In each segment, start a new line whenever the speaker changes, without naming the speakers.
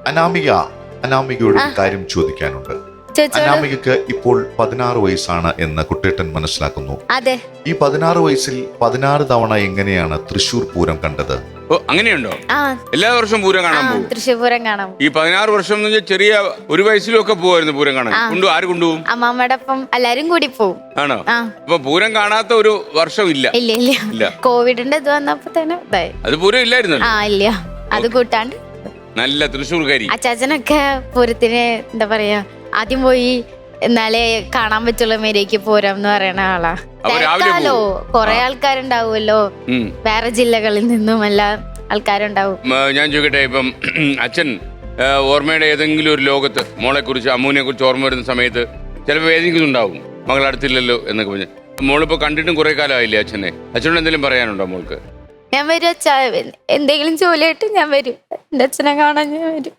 അനാമികയോട് കാര്യം ചോദിക്കാനുണ്ട്. അനാമികക്ക് ഇപ്പോൾ 16 വയസ്സാണ് എന്ന് കുട്ടേട്ടൻ മനസ്സിലാക്കുന്നു.
അതെ.
ഈ 16 വയസ്സിൽ 16 തവണ എങ്ങനെയാണ് തൃശ്ശൂർ പൂരം കണ്ടത്?
അങ്ങനെയുണ്ടോ? എല്ലാ വർഷവും പൂരം കാണാൻ പോകും?
തൃശ്ശൂർ പൂരം കാണാൻ.
ഈ 16 വർഷം എന്ന് വെച്ചാൽ ചെറിയ ഒരു വയസ്സിലൊക്കെ പോകുമായിരുന്നു പൂരം കാണാൻ. ആര് കൊണ്ടുപോകും?
അമ്മാമ്മയുടെ ഒപ്പം എല്ലാരും കൂടി പോകും.
ആണോ? അപ്പൊ പൂരം കാണാത്ത ഒരു വർഷം ഇല്ല?
ഇല്ല. കോവിഡിന്റെ ഇത് വന്നപ്പോ തന്നെ
അത് പൂരം ഇല്ലായിരുന്നു.
ഇല്ല, അത് കൂട്ടാണ്ട്
നല്ല തൃശ്ശൂർക്കാരി.
അച്ചാച്ചനൊക്കെ പൂരത്തിന് എന്താ പറയാ, ആദ്യം പോയി എന്നാലേ കാണാൻ പറ്റുള്ള മേലേക്ക് പോരാം എന്ന് പറയുന്ന ആളാ. തിരക്കാലോ, കൊറേ ആൾക്കാരുണ്ടാവുമല്ലോ, വേറെ ജില്ലകളിൽ നിന്നും എല്ലാ ആൾക്കാരുണ്ടാവും.
ഞാൻ ചോദിക്കട്ടെ, ഇപ്പം അച്ഛൻ ഓർമ്മയുടെ ഏതെങ്കിലും ഒരു ലോകത്ത് മോളെ കുറിച്ച്, അമ്മൂനെ കുറിച്ച് ഓർമ്മ വരുന്ന സമയത്ത് ചിലപ്പോൾ വേദിക്കുന്നുണ്ടാവും, മകൾ അടുത്തില്ലല്ലോ എന്നൊക്കെ പറഞ്ഞ്. മോളിപ്പോ കണ്ടിട്ടും കുറെ കാലമായില്ലേ അച്ഛനെ? അച്ഛനോട് എന്തെങ്കിലും പറയാനുണ്ടോ മോൾക്ക്?
ഞാൻ വരും അച്ഛാ, എന്തെങ്കിലും ജോലിയായിട്ട് ഞാൻ വരും, എന്റെ അച്ഛനെ കാണാൻ ഞാൻ വരും.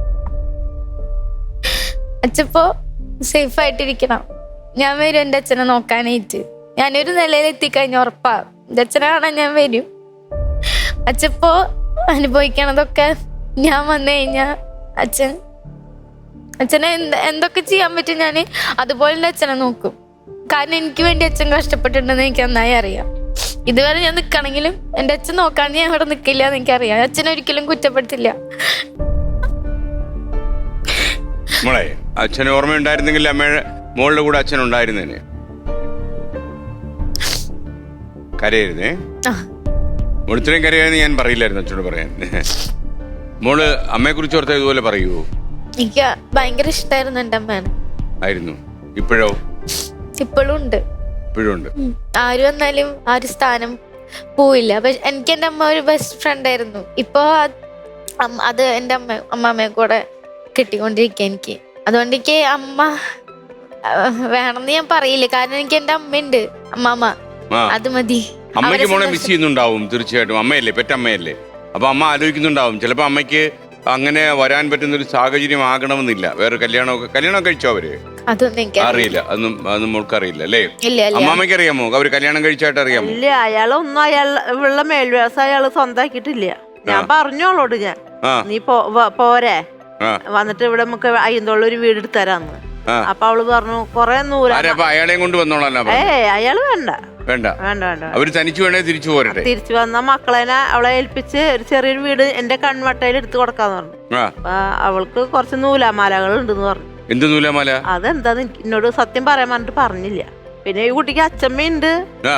അച്ഛപ്പോ സേഫ് ആയിട്ടിരിക്കണം. ഞാൻ വരും എന്റെ അച്ഛനെ നോക്കാനായിട്ട്. ഞാനൊരു നിലയിൽ എത്തിക്കഴിഞ്ഞ ഉറപ്പാ എന്റെ അച്ഛനെ കാണാൻ ഞാൻ വരും. അച്ഛപ്പോ അനുഭവിക്കണതൊക്കെ ഞാൻ വന്നു കഴിഞ്ഞാ അച്ഛനെ എന്തൊക്കെ ചെയ്യാൻ പറ്റും ഞാൻ അതുപോലെ എന്റെ അച്ഛനെ നോക്കും. കാരണം എനിക്ക് വേണ്ടി അച്ഛൻ കഷ്ടപ്പെട്ടിട്ടുണ്ടെന്ന് എനിക്ക് നന്നായി അറിയാം. ഇതുവരെ ഞാൻ നിൽക്കണമെങ്കിലും എന്റെ അച്ഛൻ നോക്കാൻ ഞാൻ ഇവിടെ നിൽക്കില്ല എന്ന് എനിക്കറിയാം. അച്ഛനൊരിക്കലും കുറ്റപ്പെടുത്തില്ല.
മോളെ, അച്ഛന് ഓർമ്മയുണ്ടായിരുന്നെങ്കിൽ അമ്മയുടെ മോളുടെ കൂടെ അച്ഛൻ ഉണ്ടായിരുന്നേനെ. കരയരുതേ. മോള് ഇത്രയും കരയാന്ന് ഞാൻ പറയില്ലായിരുന്നു അച്ഛനോട് പറയാൻ. മോള് അമ്മയെ കുറിച്ച് ഓർത്ത ഇതുപോലെ പറയുവോ?
എനിക്ക് ഭയങ്കര ഇഷ്ടമായിരുന്നു എന്റെ അമ്മേനെ.
ആയിരുന്നു. ഇപ്പോഴോ?
ഇപ്പോഴും ഉണ്ട്.
ഇപ്പോഴും ഉണ്ട്.
ആര് വന്നാലും ആ ഒരു സ്ഥാനം പോയില്ല. എനിക്ക് എന്റെ അമ്മ ഒരു ബെസ്റ്റ് ഫ്രണ്ട് ആയിരുന്നു. ഇപ്പൊ അത് എന്റെ അമ്മാമ്മയെ കൂടെ കിട്ടിക്കൊണ്ടിരിക്കുക എനിക്ക്. അതുകൊണ്ട് എനിക്ക് അമ്മ വേണമെന്ന് ഞാൻ പറയില്ല. കാരണം എനിക്ക് എന്റെ അമ്മയുണ്ട്, അമ്മാമ്മ, അത് മതി.
അമ്മയ്ക്ക് മോളെ മിസ് ചെയ്യുന്നുണ്ടാവും തീർച്ചയായിട്ടും. അമ്മയല്ലേ, പെറ്റമ്മയല്ലേ. അപ്പൊ അമ്മ ആലോചിക്കുന്നുണ്ടാവും ചിലപ്പോ അമ്മയ്ക്ക് അങ്ങനെ വരാൻ പറ്റുന്ന ഒരു സാഹചര്യം ആകണമെന്നില്ല. വേറെ കല്യാണം കഴിച്ചോ അവര്? അറിയില്ല. അതൊന്നും മോൾക്ക് അറിയില്ല അല്ലേ? അമ്മാമ്മയ്ക്ക് അറിയാമോ അവര് കല്യാണം കഴിച്ചായിട്ട് അറിയാമോ?
ഇല്ല, അയാളൊന്നും അയാളുള്ള മേൽവ്യാസം അയാള് സ്വന്തമാക്കിയിട്ടില്ല. ഞാൻ പറഞ്ഞോളോട്, നീ പോരെ, വന്നിട്ട് ഇവിടെ നമുക്ക് അയ്യന്തോളം ഒരു വീട് എടുത്ത് തരാന്ന്. അപ്പൊ അവള് പറഞ്ഞു കൊറേ
അയാളെയും കൊണ്ട് വന്നോളാം.
അയാള് വേണ്ട.
അവര് തനിച്ചു വേണേ തിരിച്ചു പോരട്ടെ.
തിരിച്ചു വന്ന മക്കളെന്നെ അവളെ ഏൽപ്പിച്ച് ഒരു ചെറിയൊരു വീട് എന്റെ കൺവട്ടയിൽ എടുത്ത് കൊടുക്കാന്ന് പറഞ്ഞു. അപ്പൊ അവൾക്ക് കുറച്ച് നൂലാമാലകൾ ഉണ്ടെന്ന് പറഞ്ഞു.
എന്ത് നൂലാമാല?
അതെന്താന്ന് എന്നോട് സത്യം പറയാൻ പറഞ്ഞിട്ട് പറഞ്ഞില്ല. പിന്നെ ഈ കുട്ടിക്ക് അച്ഛമ്മയുണ്ട്,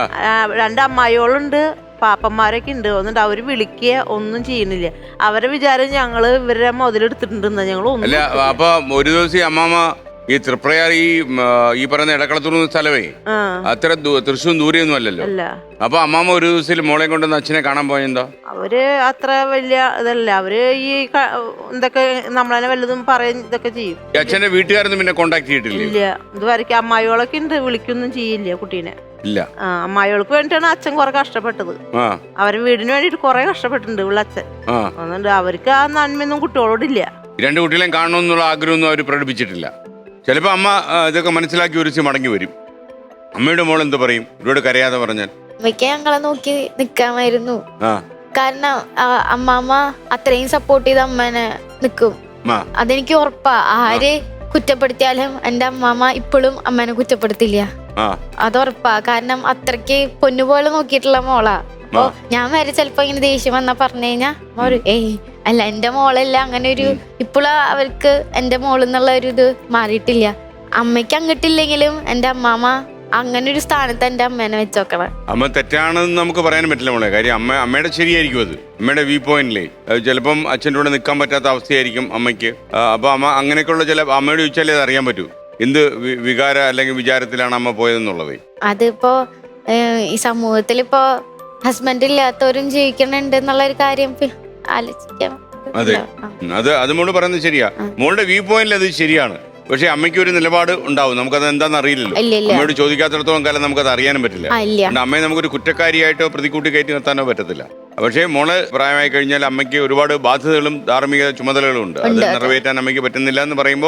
2 അമ്മായികളുണ്ട്, പാപ്പന്മാരൊക്കെ ഉണ്ട്. ഒന്നുണ്ട് അവര് വിളിക്കുക ഒന്നും ചെയ്യുന്നില്ല. അവരെ വിചാരം ഞങ്ങള് ഇവരെ മുതലെടുത്തിട്ടുണ്ടെന്ന്. ഞങ്ങൾ
അപ്പൊ ഒരു ദിവസം അമ്മാമ ഈ തൃപ്രയാർ ഈ പറയുന്ന ഇടക്കളത്തൂർ സ്ഥലമേ അത്ര തൃശ്ശൂർ ദൂരെയൊന്നും അല്ലല്ലോ. അപ്പൊ അമ്മാമ ഒരു ദിവസം മോളെ കൊണ്ടുവന്ന് അച്ഛനെ കാണാൻ പോയെന്താ?
അവര് അത്ര വലിയ ഇതല്ല. അവര് ഈ എന്തൊക്കെ നമ്മളെ വല്ലതും പറയും ഇതൊക്കെ ചെയ്യും.
അച്ഛന്റെ വീട്ടുകാരൊന്നും പിന്നെ കോണ്ടാക്ട് ചെയ്തിട്ടില്ല?
ഇല്ല, ഇതുവരെയ്ക്ക് അമ്മായികളൊക്കെ ഉണ്ട്, വിളിക്കൊന്നും ചെയ്യില്ല കുട്ടീനെ.
ഇല്ല.
അമ്മായികൾക്ക് വേണ്ടിയിട്ടാണ് അച്ഛൻ കുറെ കഷ്ടപ്പെട്ടത്. അവരെ വീടിന് വേണ്ടിട്ട് കുറെ കഷ്ടപ്പെട്ടിട്ടുണ്ട് അച്ഛൻ. അതുകൊണ്ട് അവർക്ക് ആ നന്മയൊന്നും കുട്ടികളോടില്ല.
2 കുട്ടികളെയും കാണണമെന്നുള്ള ആഗ്രഹമൊന്നും അവർ പ്രകടിപ്പിച്ചിട്ടില്ല. ചിലപ്പോ അമ്മ ഇതൊക്കെ മനസ്സിലാക്കി ഒരു മടങ്ങി വരും. അമ്മയുടെ മോൾ എന്ത് പറയും ഒരുപാട് കരയാതെ പറഞ്ഞാൽ?
അമ്മയ്ക്ക് ഞങ്ങളെ നോക്കി നിക്കാമായിരുന്നു. കാരണം അമ്മാമ്മ അത്രയും സപ്പോർട്ട് ചെയ്ത് അമ്മേനെ നിക്കും. അതെനിക്ക് ഉറപ്പാ. ആര് കുറ്റപ്പെടുത്തിയാലും എന്റെ അമ്മാമ്മ ഇപ്പോഴും അമ്മേനെ കുറ്റപ്പെടുത്തില്ല. അതുറപ്പാ. കാരണം അത്രയ്ക്ക് പൊന്നുപോലെ നോക്കിയിട്ടുള്ള മോളാ. അപ്പൊ ഞാൻ വരെ ചിലപ്പോ ഇങ്ങനെ ദേഷ്യം വന്നാ പറഞ്ഞു കഴിഞ്ഞാ അല്ല എന്റെ മോളല്ല, അങ്ങനെ ഒരു ഇപ്പോഴും അവർക്ക് എന്റെ മോളെന്നുള്ള ഒരു ഇത് മാറിയിട്ടില്ല. അമ്മയ്ക്ക് അങ്ങട്ടില്ലെങ്കിലും എന്റെ അമ്മാമ്മ അങ്ങനെ ഒരു സ്ഥാനത്ത് എന്റെ അമ്മേനെ വെച്ചോക്കണം.
അമ്മ തെറ്റാണെന്ന് നമുക്ക് പറയാനും പറ്റില്ല മോളെ. കാര്യം അമ്മയുടെ ശരിയായിരിക്കും അത്. അമ്മയുടെ വ്യൂ പോയിന്റിലേ ചിലപ്പം അച്ഛൻ്റെ കൂടെ നിൽക്കാൻ പറ്റാത്ത അവസ്ഥയായിരിക്കും അമ്മയ്ക്ക്. അപ്പൊ അമ്മ അങ്ങനെയൊക്കെയുള്ള ചില അമ്മയോട് ചോദിച്ചാലേ അത് അറിയാൻ പറ്റൂ എന്ത് വികാര അല്ലെങ്കിൽ വിചാരത്തിലാണ് അമ്മ പോയതെന്നുള്ളത്.
അതിപ്പോ ഈ സമൂഹത്തിലിപ്പോ ഹസ്ബൻഡ് ഇല്ലാത്തവരും ജീവിക്കണുണ്ട് എന്നുള്ള ഒരു കാര്യം ആലോചിക്കാം.
അതെ, അത് മോള് പറയുന്നത് ശരിയാ. മോളുടെ വ്യൂ പോയിന്റിൽ അത് ശരിയാണ്. പക്ഷെ അമ്മയ്ക്ക് ഒരു നിലപാട് ഉണ്ടാവും. നമുക്കത് എന്താണെന്ന് അറിയില്ലല്ലോ. അമ്മയോട് ചോദിക്കാത്തിടത്തോളം കാലം നമുക്കത് അറിയാനും പറ്റില്ല. അമ്മയെ നമുക്കൊരു കുറ്റക്കാരിയായിട്ടോ പ്രതിക്കൂട്ടി കയറ്റി നിർത്താനോ പറ്റത്തില്ല. പക്ഷേ മോള് പ്രായമായി കഴിഞ്ഞാൽ അമ്മയ്ക്ക് ഒരുപാട് ബാധ്യതകളും ധാർമ്മിക ചുമതലകളും ഉണ്ട്. അത് നിറവേറ്റാൻ അമ്മയ്ക്ക് പറ്റുന്നില്ല എന്ന് പറയുമ്പോൾ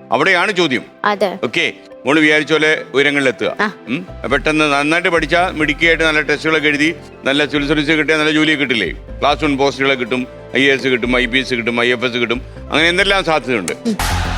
അവിടെയാണ് ചോദ്യം.
അതെ.
ഓക്കെ, മോള് വിചാരിച്ച പോലെ ഉയരങ്ങളിലെത്തുക. പെട്ടെന്ന് നന്നായിട്ട് പഠിച്ചാൽ മിടുക്കിയായിട്ട് നല്ല ടെസ്റ്റുകളൊക്കെ എഴുതി നല്ല സിവിൽ സർവീസ് കിട്ടിയാൽ നല്ല ജോലിയൊക്കെ കിട്ടില്ലേ? ക്ലാസ് 1 പോസ്റ്റുകളെ കിട്ടും, IAS കിട്ടും, IPS കിട്ടും, IFS കിട്ടും, അങ്ങനെ എന്തെല്ലാം സാധ്യതയുണ്ട്.